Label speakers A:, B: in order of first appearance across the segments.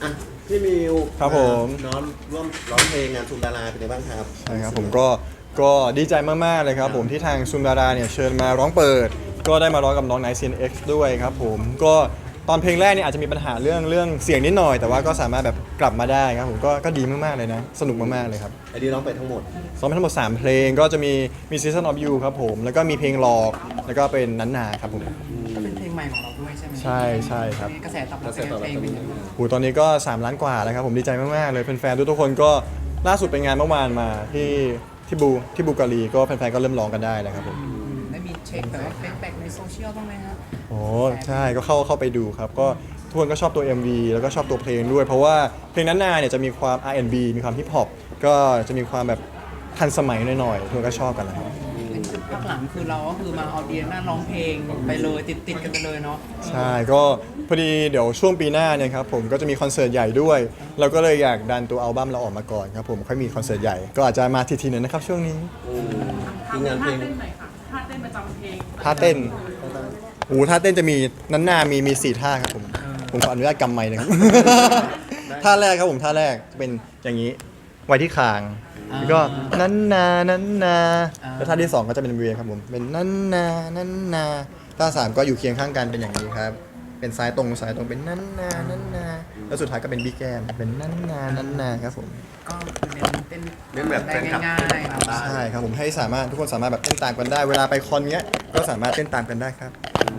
A: อ่ะพี่มิว
B: ครับผม
A: น้องร่วมร้องเพลงงานชุมดาราเป็นไงบ้างครับ
B: ใช่ครับผมก็ดีใจมากๆเลยครับผมที่ทางซุมดาราเนี่ยเชิญมาร้องเปิด ก็ได้มาร้องกับน้องไนท์ CNX ด้วยครับผมก็ตอนเพลงแรกเนี่ยอาจจะมีปัญหาเรื่องเสียงนิดหน่อยแต่ว่าก็สามารถแบบกลับมาได้ครับผมก็ดีมากๆเลยนะสนุกมากๆเลยครับ
A: ไอดีร้องไปทั้งหมด
B: ซ้อมไปทั้งหมด3เพลงก็จะมี Season of You ครับผมแล้วก็มีเพลงหลอกแล้วก็เป็นนันนาครับผม
C: ก็เป็นเพลงใหม่ของเราด้วยใช่ไหม
B: ใช่ครับ
C: กระแสตอบรับเป็นเพลงเป็นยังไง
B: โหตอนนี้ก็3ล้านกว่าแล้วครับผมดีใจมากๆเลยแฟนๆทุกคนก็ล่าสุดไปงานเมื่อวานมาที่บูการีก็แฟนๆก็เริ่มร้องกันได้แล้วครับผม
C: ได้มีเช็คแบบว่าแบ็กในโซเชียลบ้างไหมครับ
B: โอ้ใช่ก็เข้าไปดูครับก็ทุกคนก็ชอบตัว MV แล้วก็ชอบตัวเพลงด้วย เพราะว่าเพลงนั้นนาเนี่ยจะมีความ R&B มีความฮิปฮอปก็จะมีความแบบทันสมัยหน่อยๆทุกคนก็ชอบกันนะครับ
C: ภาคหลังคือเราก็คือมาออเดียนหน้าร้องเพลงไปเลยติดกันไปเลยเนาะ
B: ใช่ก็พอดีเดี๋ยวช่วงปีหน้าเนี่ยครับผมก็จะมีคอนเสิร์ตใหญ่ด้วย เราก็เลยอยากดันตัวอัลบั้มเราออกมาก่อนครับผมค่อยมีคอนเสิร์ตใหญ่ก็อาจจะมาทีๆหนึงนะครับช่วงนี้
A: ทีมงานเพลง
D: เต้นหน่อยค่ะท่าเต้นประจำเพลง
B: ท่าเต้นโอ้ท่าเต้นจะมีนั้นนามี4ท่าครับผมขออนุญาตกำไมค์นะครับ ท่าแรกครับผมท่าแรกจะเป็นอย่างนี้ไว้ที่คางแล้วก็นั้นนาแล้วท่าที่2ก็จะเป็นเวียครับผมเป็นนั้นนาท่า3ก็อยู่เคียงข้างกันเป็นอย่างนี้ครับเป็นซ้ายตรงเป็นนั้นนาแล้วสุดท้ายก็เป็นบี้แก้มเป็นนั้นนาครับผม
C: ก็เต้น
A: เล่นแบบแฟ
C: ได้
A: นคลับ
C: ง่ายๆเนาะ
B: ใช่ครับผมให้สามารถทุกคนสามารถแบบเต้นตามกันได้เวลาไปคอนเนี้ยก็สามารถเต้นตามกันได้ครับ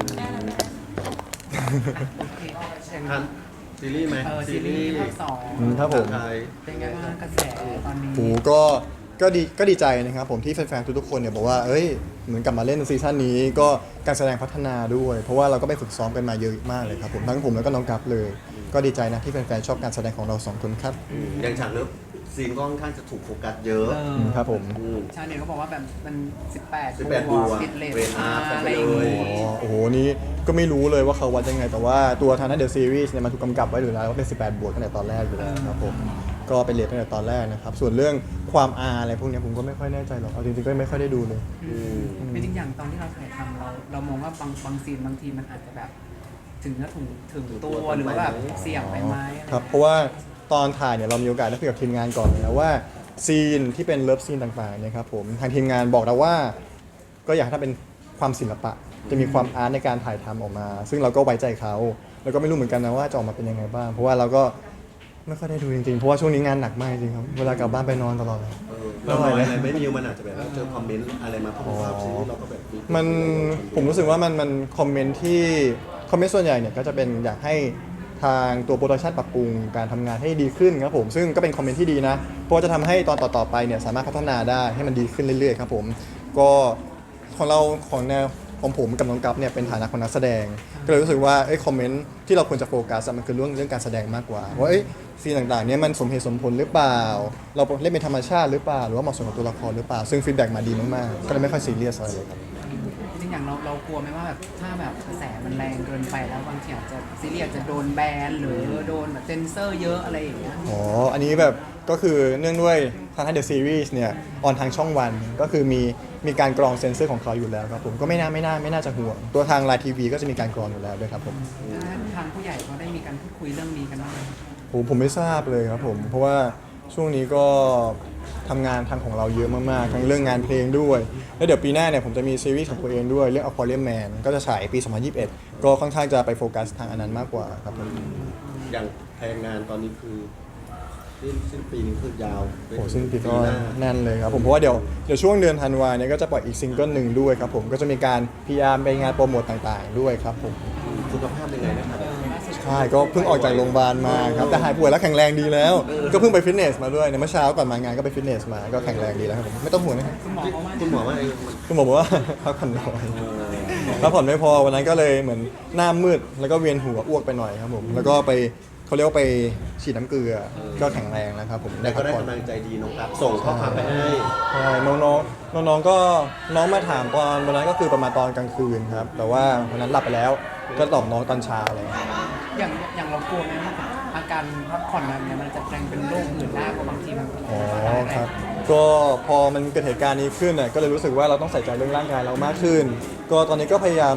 A: ทันซีรีส์ไหม
C: ซีรีส์ภาคสอง
B: ครับผม
A: ไทย
C: เป็นไงบ้างกระแสตอนนี้
B: โหก็ดีใจนะครับผมที่แฟนๆทุกๆคนเนี่ยบอกว่าเอ้ยเหมือนกลับมาเล่นซีซั่นนี้ก็การแสดงพัฒนาด้วย เพราะว่าเราก็ไปฝึกซ้อมกันมาเยอะมากเลยครับผมทั้งผมแล้วก็น้องกัฟเลย ก็ดีใจนะที่แฟนๆชอบการแสดงของเราสองคนครับ
A: อย่างฉากเลิฟซีนก็ค่อนข้างจะถูกโฟกัสเยอะ
B: ครับผม
A: ม
C: ชาวเน็ตก็บอกว่าแบบมัน 18
A: 18
C: บวก
A: บวก
C: ติดเลท
A: เรทอาร์
C: อะไร
A: ไป
C: อย่าง
A: เลย
C: งี้
B: โอ้โหนี่ก็ไม่รู้เลยว่าเขาวัดยังไง แต่ว่าตัวทางนั้นเดอะซีรีส์เนี่ยมันถูกกำกับไว้อยู่แล้วว่าเป็น 18 บวกตั้งแต่ตอนแรกอยู่แล้วครับผมก็เป็นเรทตั้งแต่ตอนแรกนะครับส่วนเรื่องความอาอะไรพวกเนี้ยผมก็ไม่ค่อยแน่ใจหรอกเอาจริงๆก็ไม่ค่อยได้ดูเลย
C: เป็นจริงอย่างตอนที่เราถ่ายทำเรามองว่าบางซีนบางทีมันอาจจะแบบถึงตัวหรือว่าแบบเสี่ยงไปไหมอะไร
B: ครับเพราะว่าตอนถ่ายเนี่ยเรามีโอกาสได้คุยกับทีมงานก่อนนะว่าซีนที่เป็นเลิฟซีนต่างๆเนี่ยครับผมทางทีมงานบอกเราว่าก็อยากให้ถ้าเป็นความศิลปะ จะมีความอาร์ตในการถ่ายทำออกมา ซึ่งเราก็ไว้ใจเขาแล้วก็ไม่รู้เหมือนกันนะว่าจะออกมาเป็นยังไงบ้างเพราะว่าเราก็ไม่ค่อยได้ดูจริงๆเพราะว่าช่วงนี้งานหนักมากจริงๆครับเวลากลับบ้านไปนอนตลอดเลย
A: เราหน่อยอะไรไม่มิวมันอาจจะแบบว่าเจอคอมเมนต์อะไรมาเพราะว่าซีรีส์เราก็แบบ
B: มันผมรู้สึกว่ามันคอมเมนต์ที่คอมเมนต์ส่วนใหญ่เนี่ยก็จะเป็นอยากให้ทางตัวโปรดักชันปรับปรุงการทำงานให้ดีขึ้นครับผมซึ่งก็เป็นคอมเมนต์ที่ดีนะเพราะว่าจะทำให้ตอนต่อๆไปเนี่ยสามารถพัฒนาได้ให้มันดีขึ้นเรื่อยๆครับผมก็ของเราของแนวของผมกับน้องกัฟเนี่ยเป็นฐานะของนักแสดง ก็เลยรู้สึกว่าคอมเมนต์ที่เราควรจะโฟกัสอะมันคือเรื่องการแสดงมากกว่าว่าซีนต่างๆเนี่ยมันสมเหตุสมผลหรือเปล่า เราเล่นเป็นธรรมชาติหรือเปล่าหรือว่าเหมาะสมกับตัวละครหรือเปล่าซึ่งฟีดแบ็กมาดีมากๆก็เลยไม่ค่อยซีเรียสอะไรเลยครับ
C: จริงๆอย่างเรากลัวไหมว่าแบบถ้าแบบกระแสมันแรงเกินไปแล้วบางทีอาจจะซีรีส์อาจจะโดนแบนหรือโดนแบบเซนเซอร์เยอะอะไรอย่างเงี้ย
B: อ๋อ อันนี้แบบก็คือเนื่องด้วยทางเดอะซีรีส์เนี่ยออนทางช่องวันก็คือมีการกรองเซนเซอร์ของเขาอยู่แล้วครับผมก็ไม่น่าจะห่วง ตัวทางไลน์ทีวีก็จะมีการกรองอยู่แล้วด้วยครับผม
C: ทางผู้ใหญ่เขาได้มีการพูดคุยเรื่องนี้กันบ้างไหม
B: ผมไม่ทราบเลยครับผมเพราะว่าช่วงนี้ก็ทำงานทางของเราเยอะมากๆทั้งเรื่องงานเพลงด้วย แล้วเดี๋ยวปีหน้าเนี่ยผมจะมีซีรีส์ของตัวเองด้วยเรื่อง Aquarium Man ก็จะฉายปี 2021 ก็ค่อนข้างจะไปโฟกัสทางอันนั้นมากกว่าครับผม
A: อย่างแพลนงานตอนนี้คือสิ้นปีนี้คือยาว
B: โอ้สิ้นปีก็
A: หน้า
B: แน่นเลยครับผมเพราะว่าเดี๋ยวช่วงเดือนธันวาเนี่ยก็จะปล่อยอีกซิงเกิลหนึ่งด้วยครับผมก็จะมีการ PR ไปงานโปรโมทต่างๆด้วยครับผม
A: สุขภาพยังไงนะครับ
B: ใช่ก็เพิ่งออกจากโรงพยาบาลมาครับแต่หายป่วยแล้วแข็งแรงดีแล้ว ก็เพิ่งไปฟิตเนสมาด้วยในเมื่อเช้าก่อนมางานก็ไปฟิตเนสมาก็แข็งแรงดีแล้วครับผมไม่ต้องห่วงนะครับ
C: คุณหมอเขาว่า
A: คุณหมอว่าไอ้
B: คุณหมอบอกว่า พักผ่อนน้อยพักผ่อนไม่พอวันนั้นก็เลยเหมือนหน้ามืดแล้วก็เวียนหัวอ้วกไปหน่อยครับผมแล้วก็ไปเขาเรียกว่าไปฉีดน้ำเกลือก็แข็งแรงแล้วครับผม
A: แต่
B: ได้
A: ก็
B: พัก
A: ได้
B: ผ่อน
A: กำลังใจดีน้องครับส่งข้อความไปให้
B: ใช่น้องก็น้องมาถามตอนวันนั้นก็คือประมาณตอนกลางคืนครับแต่ว่าวันนั้นหลับไปแล้วก็ตอบน้องตอนเช้าอะไรอย่างเลย
C: อย่างเรากลัวไหมว่าอาการพักผ่อนแบบเนี้ยมันจะแปลงเป็นโรคอื่นได้เพราะบางทีมัน
B: อ๋อครับก็พอมันเกิดเหตุการณ์นี้ขึ้นน่ะก็เลยรู้สึกว่าเราต้องใส่ใจเรื่องร่างกายเรามากขึ้น ก็ตอนนี้ก็พยายามแบบ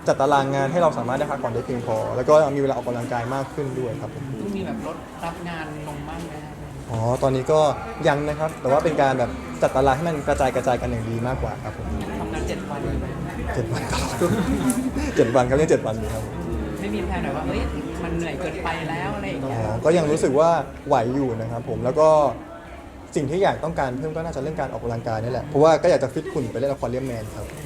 B: จัดตารางงานให้เราสามารถได้พักผ่อนได้เพียงพอ แล้วก็มีเวลาออกกำลังกายมากขึ้นด้วยครับผม
C: ต้องมีแบบลดรับงานลงบ้างไหมครับ
B: อ๋อตอนนี้ก็ยังนะครับ แต่ว่าเป็นการแบบจัดตารางให้มันกระจายกันอย่างดีมากกว่าครับผม
C: ทำงาน7 วันเลยไหม
B: 7 วันครับ 7 วันครับเรียก7 วันดีครับผม
C: ไม่มีแผนหน่อยว่าเฮ้ยมันเหนื่อยเกินไปแล้วอะไรอย่าง
B: อ๋
C: เงี้ย
B: อก็ยังรู้สึกว่าไหวอยู่นะครับผมแล้วก็สิ่งที่อยากต้องการเพิ่มก็น่าจะเรื่องการออกกำลังกายนี่แหละเพราะว่าก็อยากจะฟิตหุ่นไปเล่นละครเลียมแมนครับ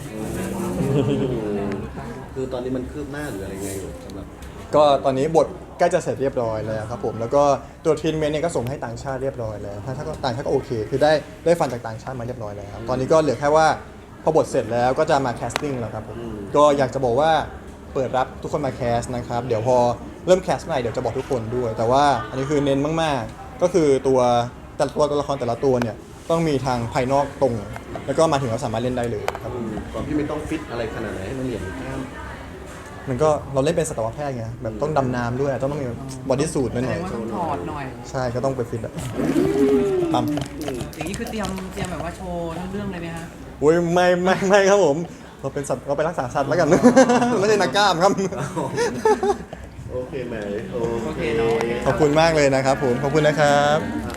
A: คือตอนนี้มันคืบหน้าหรืออะไรไงอยู่สำหรับ
B: ก็ตอนนี้บทใกล้จะเสร็จเรียบร้อยแล้วครับผมแล้วก็ตัวทรีทเมนต์เนี่ยก็ส่งให้ต่างชาติเรียบร้อยแล้วถ้าต่างชาติก็โอเค คือได้ฟันจากต่างชาติมาเรียบร้อยแล้วครับตอนนี้ก็เหลือแค่ว่าพอบทเสร็จแล้วก็จะมาแคสติ้งแล้วครับผมก็อยากจะบอกว่าเปิดรับทุกคนมาแคสนะครับเดี๋ยวพอเริ่มแคสเมื่อไหร่เดี๋ยวจะบอกทุกคนด้วย แต่ว่าอันนี้คือเน้นมากๆ ก็คือตัวละครแต่ละตัวเนี่ยต้องมีทางภายนอกตรง แล้วก็มาถึงเราสามารถเล่นได้เลยครับ
A: ก่อนพี่ไม่ต้องฟิตอะไรขนาดไหนให้มันเหนียวกล้าม
B: มันก็เราเล่นเป็นสัตวแพทย์ไงแบบต้องดำน้ำด้วยต้องมีบอดี้สูทห
C: แสด
B: น่อง ย
C: ว่าต้องถอดหน่อย
B: ๆใช่ก็ต้องไปฟิตอะปั๊ม
C: อย่างนี้คือเตรียมแบบว่าโชว์ทั้งเรื่องเลยไหมฮะ
B: โอ้ยไม่ครับผมเราเป็นสัตว์เราไปรักษาสัตว์แล้วกัน ไม่ใช่นักกล้ามครับ
A: โอเคไหม
C: โอเคเนาะ
B: ขอบคุณมากเลยนะครับผมขอบคุณนะครับ